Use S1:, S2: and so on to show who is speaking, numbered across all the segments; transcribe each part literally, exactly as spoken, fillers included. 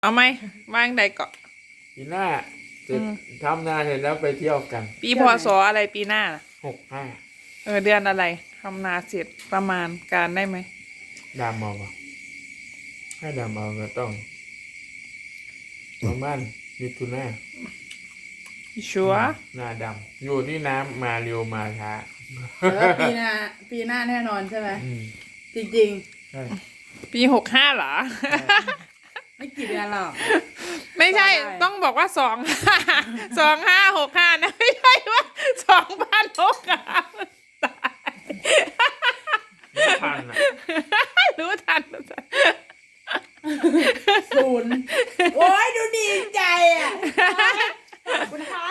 S1: เอาไหมวางใดเกาะ
S2: ปีหน้าเสร็จทำนาเสร็จแล้วไปเที่ยวกัน
S1: ปีพศอะไรปีหน้าน่ะ
S2: หกห้า
S1: เออเดือนอะไรทำนาเสร็จประมาณการได้ไหม
S2: ดำเอาปะให้ดำเอาก็ต้องประมาณมิถุนา
S1: ชัวร์
S2: นาดำอยู่ที่น้ำมาเร็วมาช้า
S3: แล้วปีหน้าปีหน้าแน่นอนใช่ไหมจริงจริง
S2: ใช่
S1: ปีหกห้าเหรอ
S3: ไม่กี่เดือนหรอก
S1: ไม่ใช่ต้องบอกว่าสองห้าสองห้าหกห้านะไม่ใช่ว่าสองพันหกห้าตาย
S2: ทันอ่ะ
S1: รู้ทัน
S3: ศูนย์โอ้ยดูดีใจอ่ะคุณคะ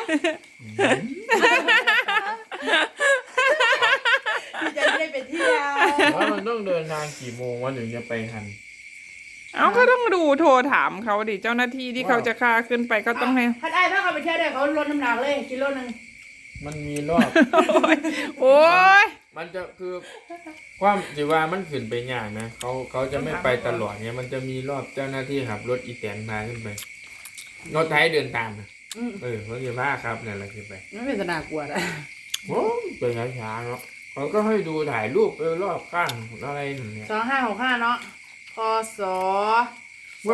S3: ดีใจได้ไปเที่ยว
S2: แล้วมันต้องเดินทางกี่โมงวะถึงจะไปทัน
S1: เอาก็ต้องดูโทรถามเขาดิเจ้าหน้าที่ที่เขาจะฆ่าขึ้นไปก็ต้องให้
S3: ถ้าได้ถ้าเขาไปเที่ยวได้เขาลดน้ำหนักเลยกิโลนึง
S2: มันมีรอบ
S1: โอ้ย
S2: มันจะคือความสิว่ามันขึ้นไปยากนะเขาเขาจะไม่ไปตลอดเนี่ยมันจะมีรอบเจ้าหน้าที่ขับรถอีแตนพาขึ้นไปรถไทยเดินตามนะเออเขาจะพาครับนั่นแหละขึ้นไป
S3: ไม่เป็นสนากลัวนะ
S2: โอ้เป็นช้าๆเนาะเขาก็ให้ดูถ่ายรูปไปรอบข้างอะไรอย่างเงี้ย
S3: สองห้าหกห้าเนาะพศ
S2: ว่า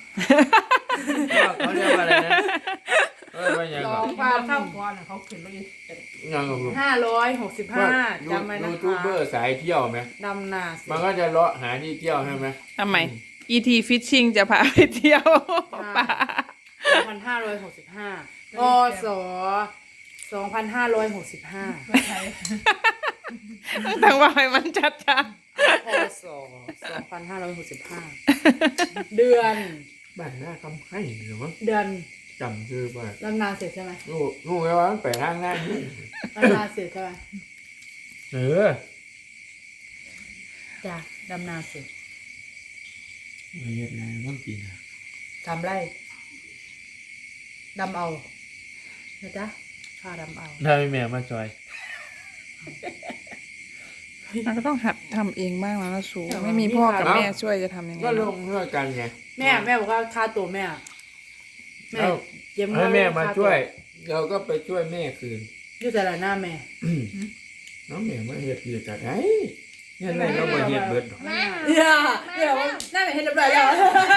S2: เขาเรียกว่าอะไรนะเออว่าอย่างไร
S3: สองพันเข้าก่อนเขาขึ้นมาอีกห้าร้อยหกสิบห้าจำไว้นะคะ
S2: ยูทูบเบอร์สายเที่ยวไหม
S3: ดำนา
S2: มันก็จะเลาะหาที่เที่ยวใช่ไหม
S1: ทำไม อี ที Fishing จะพาไปเที่ยวป่า
S3: สองพันห้าร้อยหกสิบห้าพศสองพันห้าร้อยหกสิบห้า
S1: ต้องว่าให้มันชัดๆ
S3: พศสองพันห้าร้อยหกสิบห้าเดือน
S2: บ้านหน้าคำให้หรือมั้ง
S3: เดือน
S2: จำชื่อป่ะ
S3: ลำนาเสร็จใช่ไหม
S2: งูงูไงวะไปทางหน้านี่
S3: ลำนาเสร็จใช่ไหม
S2: เออ
S3: จ้ะลำนาเสร็จ
S2: ไม่เห็นไงมันปีนะ
S3: ทำไรดำเอานะจ๊ะข้าดำเอา
S2: ได้แม่มาจอย
S1: เราก็ต้องหัดทำเองบ้างแล้วนะสูไม่มีพ่อกับแม่ช่วยจะทำยังไง
S2: ก็ลงเพื่อกันไง
S3: แม่แม่บอกว่าค่าตัวแม่แม่
S2: เย็บให้แม่มาช่วยเราก็ไปช่วยแม่คืน
S3: อยู่แต่ละหน้าแม่
S2: น้องแม่มาเฮ็ดเรียกกันไอ้เนี่ยอะไรเรามาเฮ็ดเบิด
S3: เดี๋ยวเดี๋ยวหน้าแม่เฮ็ดเรียบร้อยแล้ว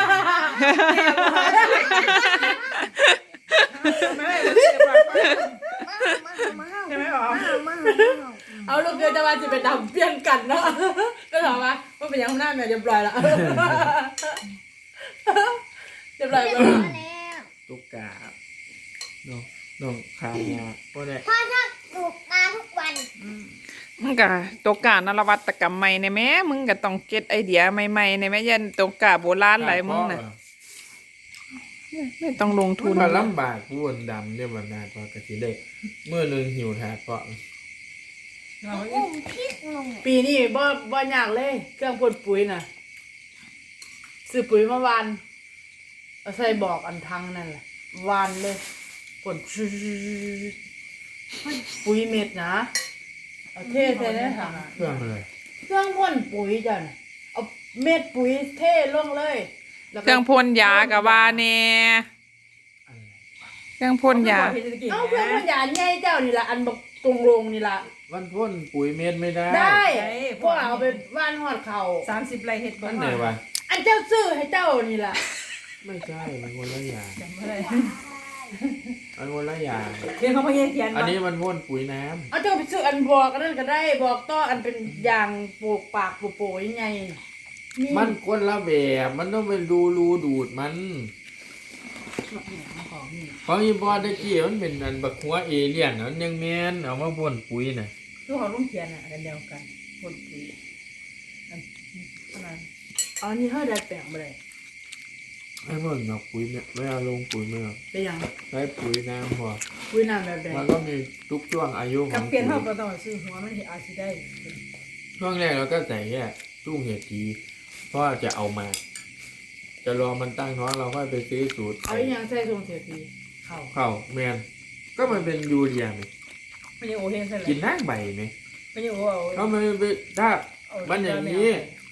S3: เอาลูกเกินจะมาจะไปทำเปลี่ยนกันเนาะก็ถามว่าว่าเป็นยังหน้าแม่เรียบร้อยแล้วเรียบร้อยแล้ว
S2: ตุ๊กกาน้องน้องขายยาพ่อได้
S4: พ่อชอบปลูกปลาทุกวัน
S1: มึงกะตกกานวัตกรรมใหม่ในแม่มึงก็ต้องเก็ตไอเดียใหม่ๆในแม่ยันตกกาโบราณหลายมึงน่ะไม่ต้องลงทุน
S2: มาลำบากวุ่นดำเนี่ยมันนานพอกะทิได้เมื่อนึงหิวถาดเพาะ
S3: ปีนี้บ่บ่ยากเลยเครื่องพ่นปุ๋ยน่ะซื้อปุ๋ยมาวานเอาใส่บอกอันทังนั่นแหละวานเลยพ่นปุ๋ยเม็ดนะเอาเทใส่ในถัง
S2: เครื่องอะไร
S3: เครื่องพ่นปุ๋ยจ้ะเอาเม็ดปุ๋ยเทลงเลย
S1: เครื่องพ่นยากับว่าแน่เครื่องพ่นยา
S3: เอาเครื่องพ่นยาใหญ่เจ้านี่ละอันบักตรงโรงนี่ละ
S2: วันพ่นปุ๋ยเม็ดไม่ได้
S3: ได้พวกเอาไปว่านหอดเข่า
S1: สามสิบไรเห็ด
S2: บ้านไหนวะ
S3: อันเจ้าซื้อให้เจ้านี่ละ
S2: ไม่ใช่มันคนละอย่างมันคนละอย่าง
S3: เรียนเขาไม่เขียน
S2: อันนี้มันพ่นปุ๋ยน้
S3: ำเอาเจ้าไปซื้ออันบอกกันนั่นก็ได้บอกต่ออันเป็นยางปลูกปากปลูกโป่ยยังไง
S2: มันคนละแบบมันต้องเป็นรูรูดูดมันของอีบอดกี้มันเป็นอันบักหัวเอเลี่ยนมันยังแมนเอามาพ่นปุ๋ยน่ะ
S3: คือเขาลุงเขียนอ่ะกันเดียวกันพ่นปุ๋ยอันนั้นอ๋อนี่เขาได้แปลงไปเลย
S2: ไอ้พ่นเอาปุ๋ยเนี่ยไม่เอาลงปุ๋ยไม่เอา
S3: เป็นยัง
S2: ใช้ปุ๋ยน้ำพอ
S3: ปุ๋ยน้ำแบบใด
S2: มันก็มีทุกช่วงอายุของ
S3: กับเปลี่ยนเขาก็ต้องซื้อหัวมันอาจจะได้
S2: ช่วงแรกเราก็ใส่แค่ตุ้งเห็ดทีเพราะจะเอามาจะรอมันตั้งท้องเราค่อยไปซื้อสูตร
S3: เอาอย่างใส่ทรงเสียทีเข่า
S2: เข่าแมนก็มันเป็นยูเรียไหม
S3: ไม่ใช่โอเฮนใช่ไหม
S2: กินน้ำใบไหม
S3: ไม่ใช่โอ
S2: เขาไม่ไปถ้ามันอย่างนี้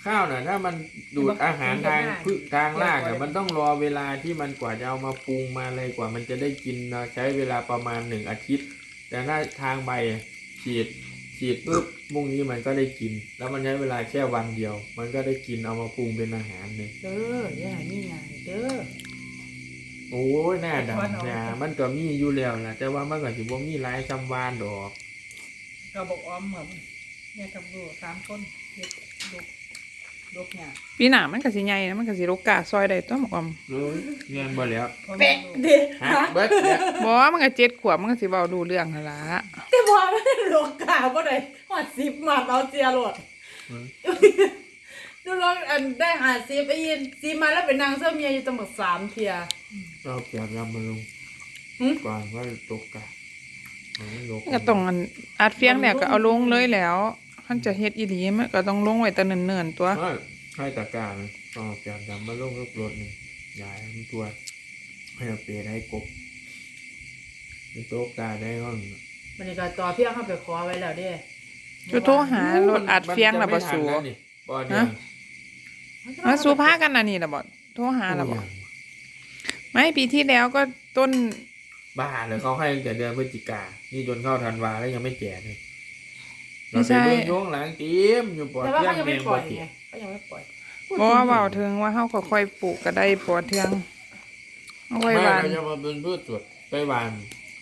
S2: ข้าวน่ะถ้ามันดูดอาหารทางพืชทางรากอ่ะมันต้องรอเวลาที่มันกว่าจะเอามาปรุงมาอะไรกว่ามันจะได้กินนะใช้เวลาประมาณหนึ่งอาทิตย์ แต่ถ้าทางใบฉีดฉีดปุ๊บมุ่งนี้มันก็ได้กิน แล้วมันใช้เวลาแค่วันเดียว มันก็ได้กินเอามาปรุงเป็นอาหารเลย
S3: เด้ออย่าให้มีงานเด้อ
S2: โอ้ยหน้าดำนะมันก็มีอยู่แล้วแหละแต่ว่ามันก็สิบ่มีหลายจำวานดอก
S5: เราบอกอ้อมเหมือนแม่กับลูกสามคนเด็กลูกลูกเนี่ย
S1: ปีหน้ามันก็สิใหญ่นะมันก็สิรกกาซอยได้ตัวหมอกอม
S2: โอ้ยเรียนบ่แล้ว
S5: พ่อ
S3: เป๊ะ
S5: แม่ลูก
S3: เด้
S2: ฮะเบิดเนี่ย
S1: บ่มันก็เจ็ดขวบมันก็สิเว้าดูเรื่องนั่นล่ะ
S3: แต่บ่มันโลกกาบ่ได้ฮอดสิบมาเอาเสียโลด
S2: อืม
S3: ดูลองอันได้หาสิบไอ้ยินสิมาแล้วเป็นนางเสื้อเมียอยู่ตั้งหมดสามเที่ย
S2: เราเก็บยำมาลง
S3: หึ
S2: ก่อนว่าตกกะมันลก
S1: ก็ต้องอันอัดเฟียงแล้วก็เอาลงเลยแล้วคันจะเฮ็ดอีหลีมันก็ต้องลงไว้แต่เนิ่นๆตัว
S2: เอ้ยให้ตะกร้ามันเอาเก็บยำมาลงรถรถหนึ่งยายมันตัวให้เอาเปรย์ให้กบมันตกกาได้ห้อง
S3: มันนี่ก็ต่อเพียงเข้าไปขอไว้แล้วเด้
S1: จะโทรหารถอัดเฟียงล่ะบ่สู
S2: มันจะไม่ทันแล้วนี่บ่เดียว
S1: มาสู้พากันน่ะนี่ล่ะบ่โทรหาล่ะบ่ไม่ปีที่แล้วก็ต้น
S2: บ้าเลยเขาให้ตั้งแต่เดือนพฤศจิกานี่จนเข้าธันวาแล้วยังไม่แก่เลย
S1: ไม่
S2: เรา
S1: ใช่
S2: ไปเบิ่งโยงหลังเต็มอยู่ปอด
S3: แต่ว่า
S2: เที่ย
S3: เขา
S2: ง
S3: ยัง
S2: แม
S3: ไม่
S2: ง
S3: ปล่
S2: ป
S3: อ
S2: อย ดเที่ย
S3: ไง
S2: ง
S3: เขายังไม่ปล่อย
S1: บ่ว่าเว้าถึงว่าเฮาก็ค่อยปลูกก็ได้ปอเทืองเอาไว้
S2: ไม่
S1: หวาน
S2: เราจะมาเป็นพืชสวนไปหวาน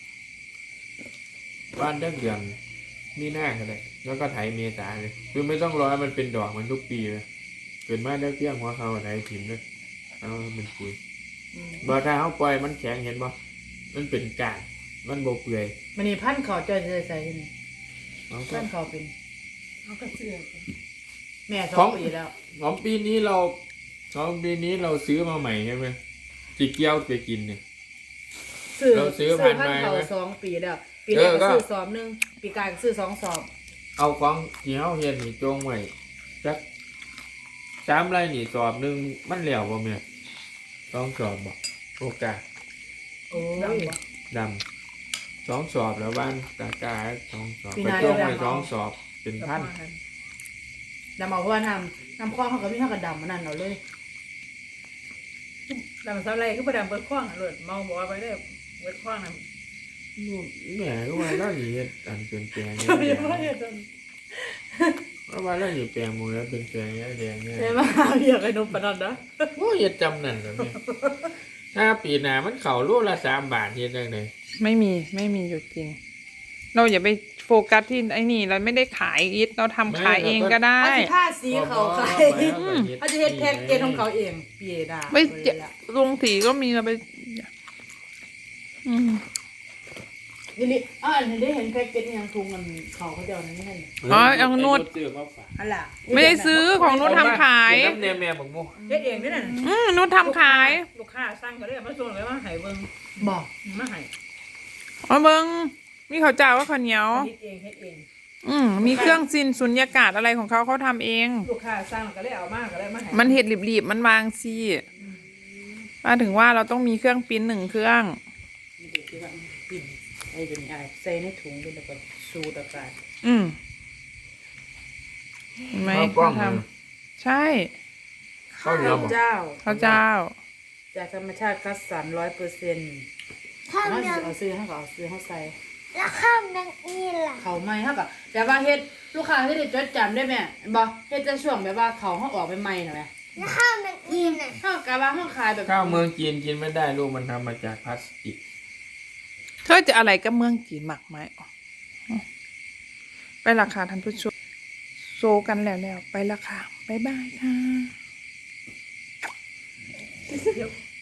S2: หวานได้เดือนมีหน้าก็ได้แล้วก็ไถเมษาเลยคือไม่ต้องรอให้มันเป็นดอกมันทุกปีเลยเกิดมาได้เพียงหัวเขาไถถิ่มเลยเอาเป็นปุ๋ย
S3: อืม
S2: บ่ถ้าเขาปล่อยมันแข็งเห็นบ่มันเป็นกาดมันบ่เปื่อย
S3: มันนี่พันเขาจอยใส่ใส่ที่นี่
S2: เอาก็
S3: พันเขาเป็น
S5: เขาก็เสื้อ
S3: แม่ส
S2: ข
S3: อ
S2: อง ง
S3: ปีแล้ว
S2: ของปีนี้เราของปีนี้เราซื้อมาใหม่ใช่ไหมจีเกียวไปกินเนี่ย
S3: ซื้อ
S2: เราซื้อ
S3: ซื้อ
S2: พั
S3: พั
S2: น
S3: น
S2: ไม้
S3: เขา
S2: ไหม
S3: สองปีแล้ว ปีแรก
S2: เออก็
S3: ก็ซื้อสอบหนึงปีกลายก็ซื้อสองสอบ
S2: เอาของที่เฮาเฮ็ดนี่จงไว้จักสามไรนี่สอบหนึงมันแล้วบ่แม่ต้องสอบบ่โอกาส
S3: โอ้
S5: ดำ
S3: ย
S5: บ่
S2: ดำสองสอบแล้วบ้านตากาสองสอบ
S3: ปี
S2: ไป
S3: หน้า
S2: จงไว้
S3: เดี๋ยว
S2: สอง
S3: เอา
S2: สอบเป็นพัน
S3: ดำเอาเพราะว่าน้ำน้ำคว้างเขาก็มีเท่ากับดำมันนั่นเอาเลย
S5: ดำสาวไรคือประดำเบิดคว้างอะเลยเมาบอกว่าไปได้เบิดคว้างนะ
S2: แหม่ก็ว่าเราสิเฮ็ดอันเป็นแปลง
S3: ไม่
S2: เนี่ย
S3: ไม่ได้จน
S2: เพราะว่าเราสิแปลงหมือแล้วเป็นแปลงแดงเนี่ย
S3: ใช่ไหมเรียกไอ้นุ่มปานนันนะ
S2: โอ้ยเฮ็ดจำนั่นแล้วแม่ถ้าปีหน้ามันเข้าโลละสามบาทเฮ็ดจังได๋
S1: ไม่มีไม่มีอยู่จริง เราอย่าไปโฟกัสที่ไอ้นี่เราไม่ได้ขายอีทเราทำขายเองก็ได้
S3: เขาจะผ้าสีเขาขายเขาจะเฮ็ดแพ็กเกจของเขาเองปีดา
S1: ไม่จะลงสีก็มีเราไปอืม
S3: นี่นี่อ่าอันนี้ได้เห็นแพ็กเกจยังทุงกันเขาเขาจะเอาอันนี้ให้
S1: อ๋อเอานวด
S2: ซื้อมาฝาก
S3: อันล่ะ
S1: ไม่ได้ซื้อของนุชทำขาย
S2: เดี๋วน้ำแนมแม่บักโม
S5: เฮ็ดเองนี่น่ะ
S1: อืมนุชทำขาย
S5: ลูกค้าสั่งก็เลยมาส่งเลยว่าให้เบิ่ง
S3: บอก
S5: มาให้
S1: อ๋อเบิงมีข้าวเจ้าว่าข้าวเหนียว
S5: เฮ็ดเองเฮ็ดเอง
S1: อืมมีเครื่องซินสุญญากาศอะไรของเขาเขาทำเอง
S5: ลูกค้าสั่งก็เลยเอามาก็เลยมาให้
S1: มันเห็ดหลีบๆมันวางซีมาถึงว่าเราต้องมีเครื่องปริ้นหนึ่งเครื่อง
S3: นี่เด็กที่ว่าปิ่นไอ้ตัวนี้อะไรใส่ในถุงด้วยแล้วก็สูดอากาศ
S1: อืมเห็นไหม
S2: ข้าวกล้
S1: เขา
S2: อง
S1: ท
S2: เลย
S1: ำใช่
S2: ข้าวเหนียวบอก
S3: เจ้า
S1: ข้าวเจ้า
S3: จากธรรมชาติคัดสรรร้อยเปอร์เซ็นต์
S4: ข้าว
S3: เอา
S4: แมง
S3: เอาซื้อให้ก็เอาซื้อให้ใส่
S4: แล้วข้าวแมงอีล่ะ
S3: เขาไม่เท่ากับแต่ว่าเฮ็ดลูกค้าที่ได้จดจำได้ไหมบอกเฮ็ดจะช่วงแบบว่าเขาเขาออกใหม่ๆหน่อยไหม
S4: แล้วข้าวแมงอีน่ะ
S3: เท่ากับว่าเขาขายแบบ
S2: ข้าวเมืองจีนกินไม่ได้ลูกมันทำมาจากพลาสติก
S1: เธอจะอะไรกับเมืองจีนหมักไหมอ๋อไปราคาท่านผู้ชมโซกันแล้วแล้วไปราคาบ๊ายบายค่ะ